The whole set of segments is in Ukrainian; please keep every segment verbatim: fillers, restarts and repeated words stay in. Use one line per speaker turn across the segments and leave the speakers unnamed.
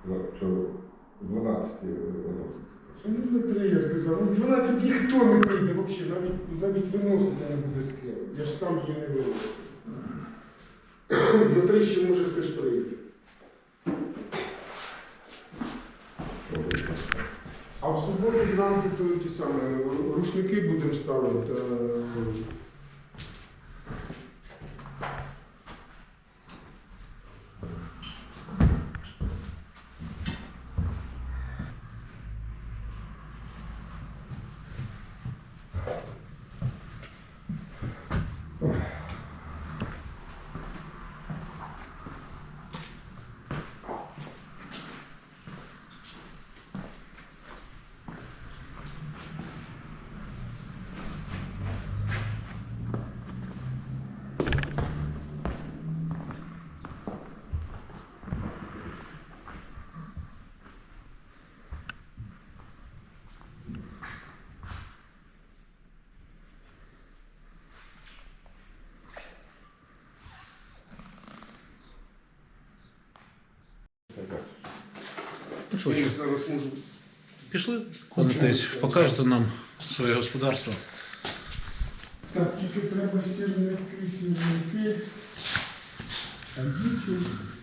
Що дванадцять виноситься.
Ну, на три, я сказав. Ну, в дванадцять ніхто не прийде взагалі, навіть, навіть виносити не буде з ким. Я ж сам її не виносив. На три ще може хтось прийти. А в суботу зранку то ті самі рушники будемо ставити.
Ну що,
Я
що?
зараз можу.
Пішли, десь, покажете нам своє господарство.
Так, тільки треба сірники, сірники. А дітей.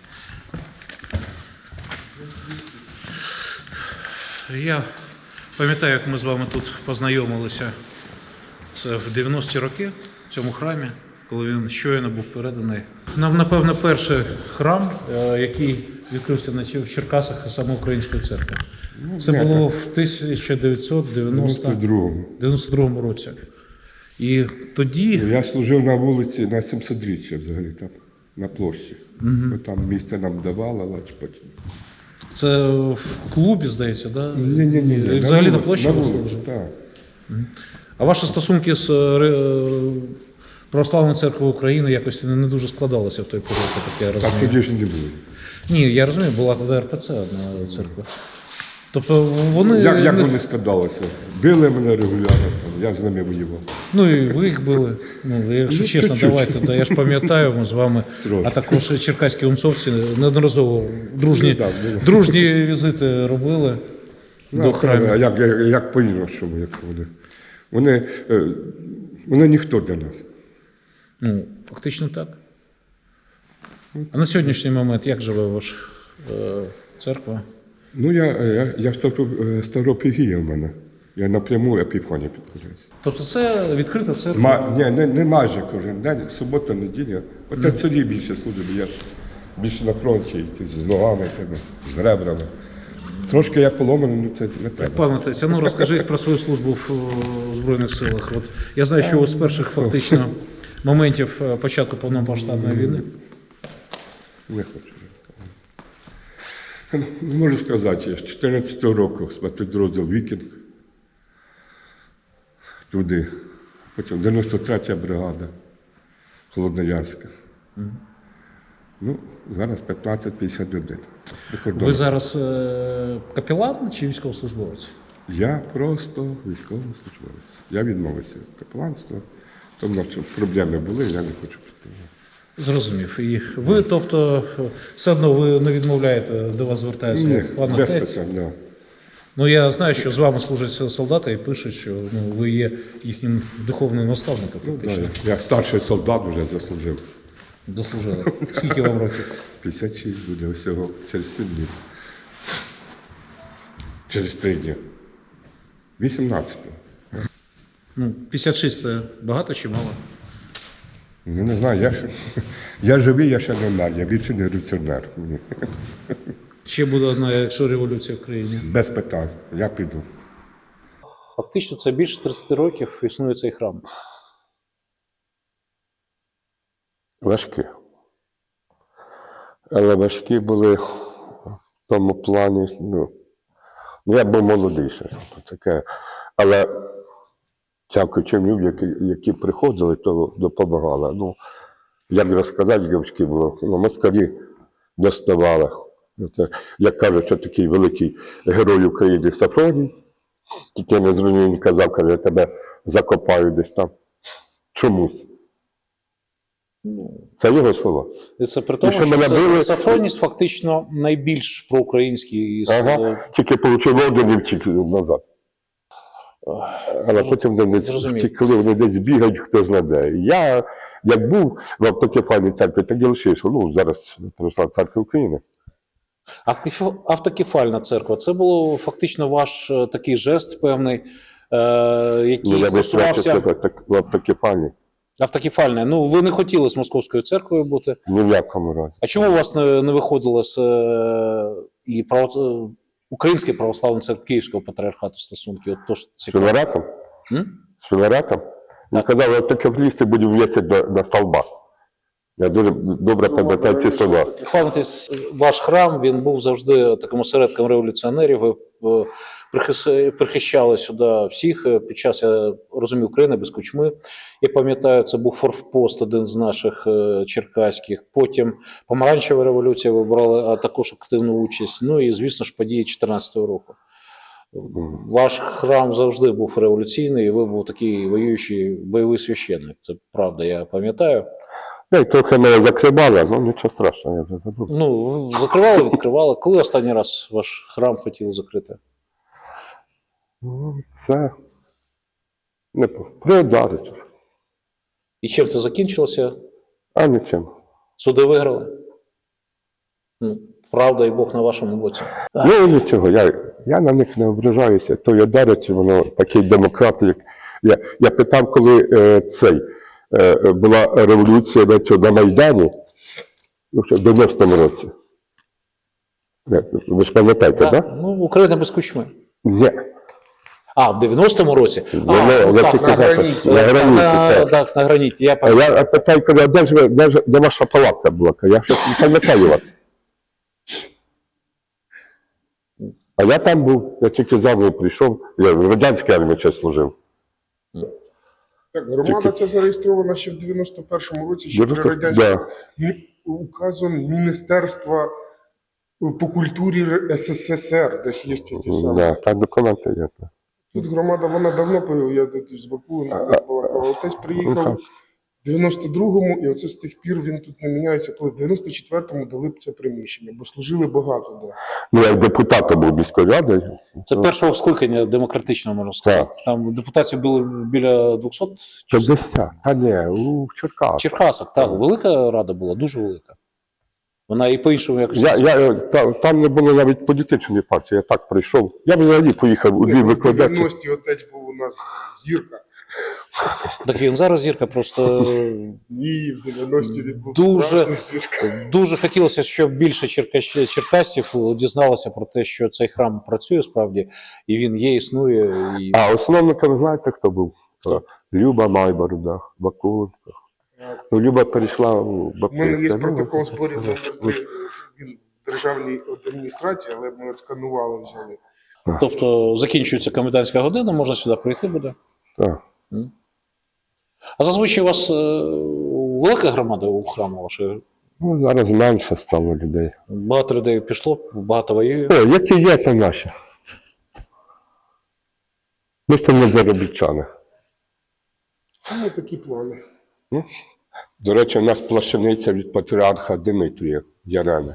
Я пам'ятаю, як ми з вами тут познайомилися. Це в дев'яності роки в цьому храмі, коли він щойно був переданий. Нам, напевно, перший храм, який відкрився в Черкасах саме Української церкви. Це було в тисяча дев'ятсот дев'яносто другому році. І тоді...
Я служив на вулиці на сімсотріччя взагалі там, на площі. Угу. Там місце нам давало, але потім.
Це в клубі, здається, так? Да?
Ні, ні, ні.
І взагалі на, на площі?
На вулиці, так.
Угу. А ваші стосунки з Православною церквою України якось не дуже складалися в той період, так я розумію?
Так тоді ж не було.
Ні, я розумію, була тоді РПЦ одна церква. Тобто вони...
Як, як вони складалися? Били мене регулярно, я з ними воював.
Ну і ви їх били. Ну, якщо
ну,
чесно,
чуть-чуть.
давайте, да, я ж пам'ятаю, ми з вами,
Трошки.
а також черкаські умцовці неодноразово дружні,
Ну, так, ну.
дружні візити робили
Ну,
до храмів.
А як, як, як по-іншому, як вони. Вони, е, вони ніхто для нас.
Ну, фактично так. А на сьогоднішній момент як живе ваша е, церква?
Ну, я, я, я Ставропігія в мене. Я напряму Епіфанія підкоряюся.
Тобто це відкрита церква?
Ма, ні, не, не майже кожен день, субота, неділя. Отець Сергій більше служить, я ж більше на фронті, йти з ногами, тебе, з ребрами. Трошки я поломаний, але це не треба.
Пане Отець, ну розкажіть про свою службу в о, Збройних силах. От, я знаю, що от з перших фактично моментів початку повномасштабної війни.
Не хочу. Не можу сказати, з чотирнадцятого року спецпідрозділ «Вікінг», туди, потім дев'яносто третя бригада Холодноярська. Mm. Ну, зараз п'ятнадцять п'ятдесят один.
Ви зараз е- капелан чи військовослужбовець?
Я просто військовослужбовець. Я відмовився від капеланства, тому що проблеми були, я не хочу працювати. Зрозумів.
І ви, тобто, все одно ви не відмовляєте, до вас звертаються
Ні,
пан
без
Отець?
питань, да.
Ну, я знаю, що з вами служать солдати і пишуть, що ну, ви є їхнім духовним наставником, фактично.
Ну, да, я старший солдат вже заслужив.
Дослужили. Скільки вам років?
п'ятдесят шість буде усього, через сім днів. Через три дні. вісімнадцятого.
Ну, п'ятдесят шість – це багато чи мало?
Ну, не знаю, я, ще, я живий, я ще не вмер, я більше не революціонер.
Ще буде одна, якщо революція в країні.
Без питань, я піду.
Фактично, це більше тридцять років існує цей храм.
Важкі. Але важкі були в тому плані, ну, я був молодий ще, таке. Але дякуючи людям, які, які приходили, то допомагали. Ну, як розказати, важкі було, ну, москалі доставали. Це, як кажуть, що такий великий герой України Сафроній, тільки не зрозумів, він казав, каже, я тебе закопаю десь там чомусь.
Ну,
Це його слова.
і це при тому,
що
що
мене
це,
били-
Сафроніс фактично найбільш проукраїнський із
Ага. Тільки отримав орден і втік назад. Але потім вони
Зрозумів.
втекли, вони десь бігають, хто знає. Я, як був в автокефальній церкві, так і лишився. Ну, зараз Православна церква України.
Автокеф- Автокефальна церква це було фактично ваш е, такий жест певний, е, який
Ну, я би
стосувався
так, в автокефальній.
автокефальне. Ну, ви не хотіли з Московською церквою бути.
Ні в якому разі.
А чому у вас не, не виходило з е, і право, е, Української православної церкви Київського патріархату стосунки? От то ж
З
цікаво.
Філаретом?
М?
З Філаретом? Він казав, автокефалісти будемо вісити до, до столба. Я дуже добре пам'ятаю ці слова.
Пам'ятаєте, ваш храм, він був завжди таким осередком революціонерів. Ви е, прихис- прихищали сюди всіх е, під час, я розумію, України без Кучми. Я пам'ятаю, це був форпост, один з наших е, черкаських. Потім помаранчева революція, ви брали а також активну участь. Ну і, звісно ж, події чотирнадцятого року. Ваш храм завжди був революційний, і ви був такий воюючий бойовий священник. Це правда, я пам'ятаю.
Я й трохи мене закривали, ну нічого страшного, я вже забув.
Ну, ви закривали, відкривали. Коли останній раз ваш храм хотіли закрити?
Ну, це не приодарить.
І чим це закінчилося?
А нічим.
Суди виграли? Ну, правда і Бог на вашому боці.
Ну нічого, я, я на них не ображаюся. То я дарить, воно такий демократ, як я. Я питав, коли е, цей е, була революція на, цьому, на Майдані, ну, ще в дев'яностому році. Е, Ви ж пам'ятаєте, так?
Так?
Да?
Ну, Україна без Кучми.
Ні.
А, в дев'яностому році?
Ну,
А,
ну,
ну,
я
так,
тільки
на
знаю,
граніті.
на граніті,
На-
так.
Так, на граніті. Я
А
пам'ятаю.
я питаю, коли, де ж ви, де, ж, де ваша палатка була? Я ще не пам'ятаю вас. А я там був, я тільки за прийшов, я в радянській армії ще служив.
Так, громада
Тільки-
ця зареєстрована ще в дев'яносто першому році, ще при
дев'яносто
радянському
да.
Мі- указом Міністерства по культурі СССР, десь є ті самі.
Да, так документи є.
Тут громада, вона давно появилася, я тут з Баку балакав. Отець приїхав в дев'яносто другому, і оце з тих пір він тут не міняється, коли в дев'яносто четвертому дали б це приміщення, бо служили багато де.
Ну, як депутат був міської ради.
Це першого скликання демократичного, можна сказати. Там депутатів було біля двохсот чи
п'ятдесят. Та ні, у Черкас.
Черкасок. Так, велика рада була, дуже велика. Вона і по-іншому якось.
Я, я, та, там не було навіть політичної партії, я так прийшов. Я взагалі поїхав у Львів
В
викладати.
дев'яності отець був у нас зірка.
Так він зараз зірка, просто
Ні, в дев'яності він був
Дуже-
справжній зірка.
дуже хотілося, щоб більше черкащ- черкасців дізналося про те, що цей храм працює справді, і він є, існує. І...
А основником знаєте, хто був?
Хто?
Люба Майборода, Бакунка. Ну, Люба перейшла у
У
Баптистську.
мене є протокол зборів номер три. Це він в державній адміністрації, але ми отсканували, взяли.
Тобто закінчується комендантська година, можна сюди прийти буде.
Так.
А зазвичай у вас е, велика громада у храму вашої?
Ну, зараз менше стало людей.
Багато людей пішло, багато воює.
О, які є, то наші. Ми ж там не заробітчани.
Ну, такі плани.
До речі, у нас плащаниця від патріарха Димитрія Ярена.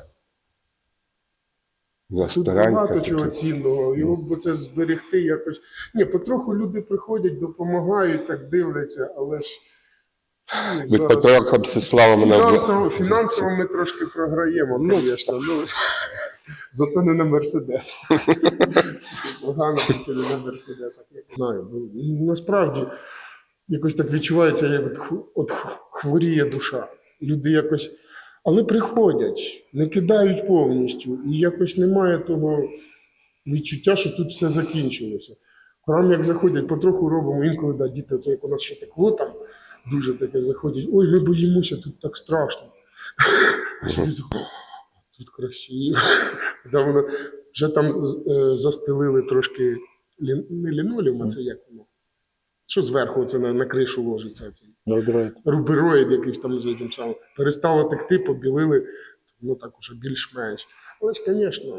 Тут
Старенька
багато
така.
чого цінного. Його б це зберегти якось. Ні, потроху люди приходять, допомагають, так дивляться, але ж ну,
Від
зараз
патріарха Мстислава мене...
фінансово, фінансово ми трошки програємо, ну, звісно. Ну, зато не на Мерседес. Погано тільки не на Мерседесах. Я не знаю. Ну, насправді, якось так відчувається, як от ху- от хворіє душа. Люди якось. Але приходять, не кидають повністю, і якось немає того відчуття, що тут все закінчилося. В храм, як заходять, потроху робимо, інколи да, діти, це як у нас ще текло там, дуже таке заходять, ой, ми боїмося, тут так страшно. А сюди заходять, тут красиво. Да, воно, вже там е, застелили трошки, лін, не лінолеум, а це як воно? Що зверху це на, на кришу ложиться? Це? Рубероїд якийсь там з тим самим. Перестало текти, побілили, ну так уже більш-менш. Але ж, звісно,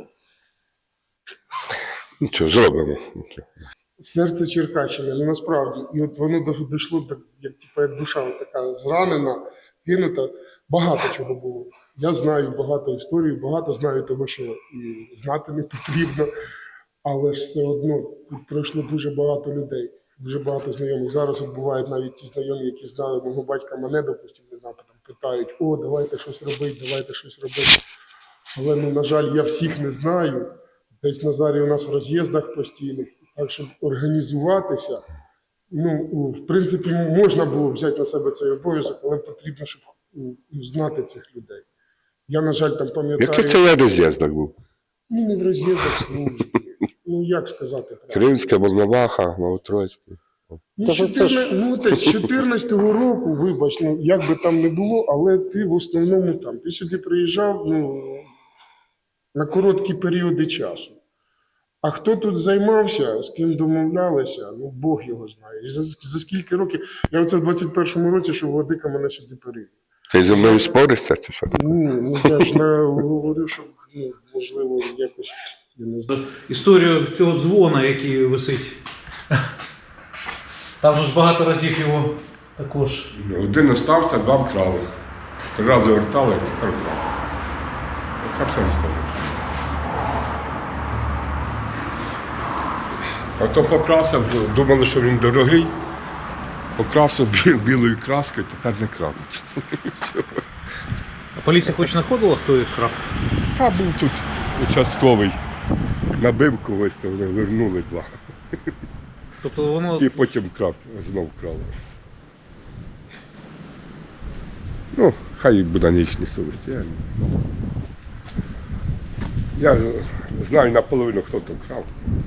Нічого, зробимо. Нічого.
серце Черкащини, ну насправді. І от воно до- дійшло, так, як, типу, як душа от така зранена, кинута. Багато чого було. Я знаю багато історій, багато знаю того, що і знати не потрібно, але ж все одно тут пройшло дуже багато людей, дуже багато знайомих. Зараз от бувають навіть ті знайомі, які знали мого батька, мене, допустимо, не знати, там питають: о, давайте щось робити, давайте щось робити. Але, ну, на жаль, я всіх не знаю. Десь Назарій у нас в роз'їздах постійних. Так, щоб організуватися, ну, в принципі, можна було взяти на себе цей обов'язок, але потрібно, щоб ну, знати цих людей. Я, на жаль, там пам'ятаю...
Який це я роз'їздок був?
Ну, не в роз'їздах служби. Ну, як сказати правильно?
Кримська, Волноваха, Новотроїцька.
Ну,
Та ж це ж-
чотирна- ну, десь з чотирнадцятого року, вибач, ну, як би там не було, але ти в основному там. Ти сюди приїжджав, ну, на короткі періоди часу. А хто тут займався, з ким домовлялися, ну, Бог його знає. І за, за скільки років, я оце в двадцять першому році, що Владика мене сюди перевів.
Ти зі мною споришся чи що?
Ні, ну я ж не говорю, що, ну, можливо, якось, я не знаю.
Історію цього дзвона, який висить. Там же ж багато разів його також.
Один остався, два вкрали. Три рази вертали, а тепер вкрали. Це все історія. А то покрасив, думали, що він дорогий. Покрасив бі- білою краскою, тепер не крадуть.
А поліція хоч знаходила, хто їх крав?
Та був тут участковий. Набив когось, то вони вернули два.
Тобто воно
І потім крав, знов крали. Ну, хай буде на їхній совісті. Я, я знаю наполовину, хто там крав.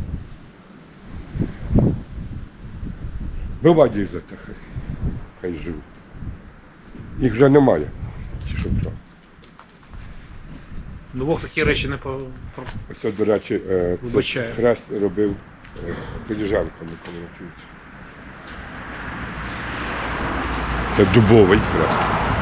Бува дізати, хай, хай живуть. Їх вже немає, ті, що крав.
двох такі речі не по. про-
Ось, до речі, е, це
Вибачаю.
хрест робив е, Поліжанко Микола Матвійович. Це дубовий хрест.